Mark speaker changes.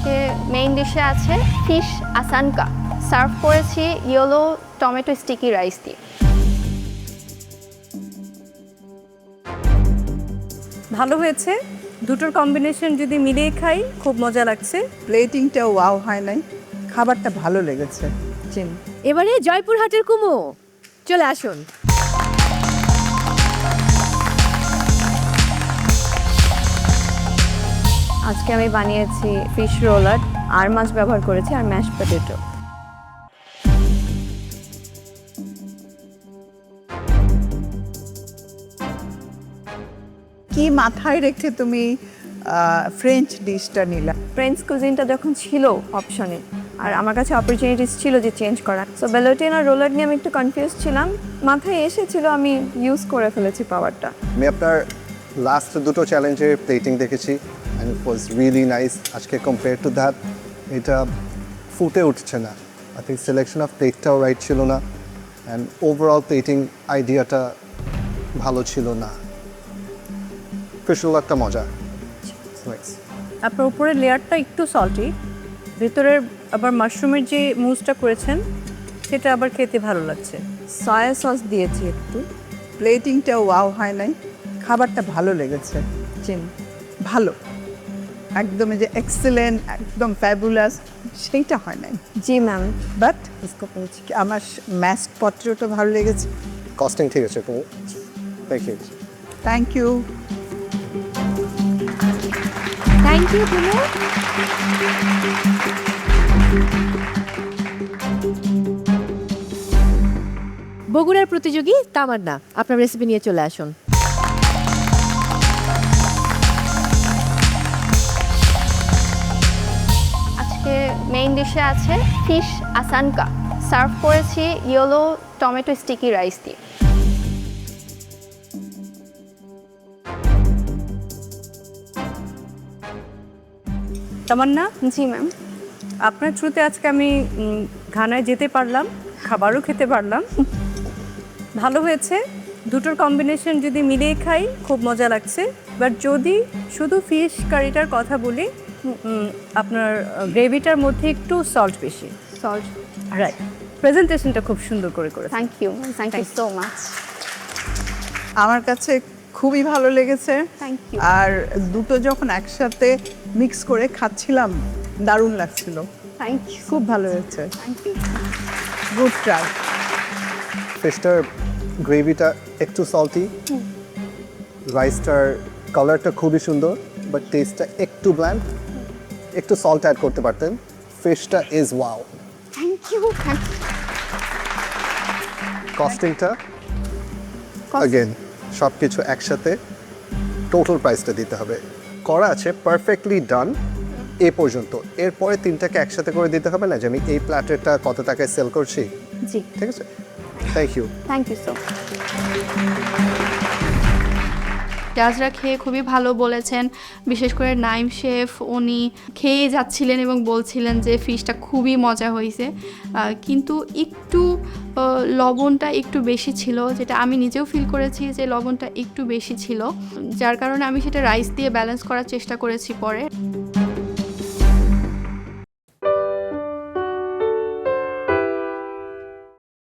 Speaker 1: আজকে মেইন ডিশে আছে ফিশ আসানকা, সার্ভ করেছি ইয়েলো টমেটো স্টিকি রাইস দিয়ে।
Speaker 2: ভালো হয়েছে, দুটোর কম্বিনেশন যদি মিলিয়ে খাই খুব মজা লাগছে।
Speaker 3: প্লেটিংটা ওয়াও হয় নাই, খাবারটা ভালো লেগেছে। চিন
Speaker 4: এবারে জয়পুরহাটের কুমো, চলে আসুন।
Speaker 1: আজকে আমি বানিয়েছি ফিশ রোলার, আর মাছ ব্যবহার করেছি আর ম্যাশ পটেটো।
Speaker 3: কি মাথায় রেখে তুমি ফ্রেঞ্চ ডিশটা নিলা?
Speaker 1: ফ্রেঞ্চ কুজিনটা যখন ছিল অপশনে, আর আমার কাছে অপরচুনিটিস ছিল যে চেঞ্জ করার, সো বেলোটিন আর রোলার নিয়ে আমি একটু কনফিউজ ছিলাম, মাথায় এসেছিল, আমি ইউজ করে ফেলেছি পাওয়ারটা।
Speaker 5: আমি আপনার লাস্ট দুটো চ্যালেঞ্জের প্লেটিং দেখেছি and it was really nice. আজকে কম্পেয়ার টু দ্যাট এটা ফুটে উঠছে না। আই থিঙ্ক সিলেকশন অফ প্লেটটাও রাইট ছিল না অ্যান্ড ওভারঅল প্লেটিং আইডিয়াটা ভালো ছিল না। ফিশরোল একটা মজা।
Speaker 2: আপনার উপরের লেয়ারটা একটু সল্টি, ভেতরের আবার মাশরুমের যে মুসটা করেছেন সেটা আবার খেতে ভালো লাগছে।
Speaker 1: সয়া সস দিয়েছি একটু।
Speaker 3: প্লেটিংটা ওয়াও হয় নাই, খাবারটা ভালো লেগেছে। চিন ভালো, একদম এই যে এক্সেলেন্ট, একদম ফ্যাবুলাস, সেইটা হয় নাই।
Speaker 1: জি ম্যাম,
Speaker 3: বাট
Speaker 1: ইসকো পেয়েছি।
Speaker 3: আমার ম্যাশড পটেটোটা ভালো লেগেছে।
Speaker 5: কস্টিং ঠিক আছে তো, thank you.
Speaker 3: Thank you.
Speaker 4: Thank you কুমো। বগুড়ার প্রতিযোগী তামান্না, আপনার রেসিপি নিয়ে চলে আসুন।
Speaker 1: আজকে মেইন ডিশে আছে ফিশ আসানকা, সার্ভ করেছি ইয়েলো টমেটো স্টিকি রাইস দিয়ে।
Speaker 2: তামান্না,
Speaker 1: জি ম্যাম।
Speaker 2: আপনার থ্রুতে আজকে আমি ঘানায় যেতে পারলাম, খাবারও খেতে পারলাম। ভালো হয়েছে, দুটোর কম্বিনেশন যদি মিলিয়ে খাই খুব মজা লাগছে। বাট যদি শুধু ফিশ কারিটার কথা বলি, আপনার গ্রেভিটার মধ্যে একটু সল্ট বেশি।
Speaker 1: Salt,
Speaker 2: right. প্রেজেন্টেশনটা খুব সুন্দর করে করেছে।
Speaker 1: Thank you, thank you so much.
Speaker 3: আমার কাছে খুবই ভালো লেগেছে।
Speaker 1: Thank you.
Speaker 3: আর দুটো যখন একসাথে মিক্স করে খাচ্ছিলাম দারুণ লাগছিল।
Speaker 1: থ্যাংক ইউ,
Speaker 3: খুব ভালো হয়েছে।
Speaker 1: Thank you.
Speaker 3: Good try.
Speaker 5: ফিশটার গ্রেভিটা একটু সল্টি, রাইসটার কালারটা খুবই সুন্দর, বাট টেস্টটা একটু ব্ল্যান্ড। একটু সল্ট অ্যাড করতে পারতেন। ফিশটা is wow.
Speaker 1: Thank you, thank you.
Speaker 5: কস্টিংটা अगेन সব কিছু একসাথে টোটাল প্রাইসটা দিতে হবে। করা আছে পারফেক্টলি ডান এ পর্যন্ত, এরপরে তিনটাকে একসাথে করে দিতে হবে না যে আমি এই প্ল্যাটারটা কত টাকায় সেল করছি।
Speaker 1: জি,
Speaker 5: ঠিক আছে, thank you.
Speaker 1: Thank you so.
Speaker 6: জাজরা খেয়ে খুবই ভালো বলেছেন, বিশেষ করে নাইম শেফ উনি খেয়ে যাচ্ছিলেন এবং বলছিলেন যে ফিশটা খুবই মজা হয়েছে, কিন্তু একটু লবণটা একটু বেশি ছিল, যেটা আমি নিজেও ফিল করেছি যে লবণটা একটু বেশি ছিল, যার কারণে আমি সেটা রাইস দিয়ে ব্যালেন্স করার চেষ্টা করেছি পরে।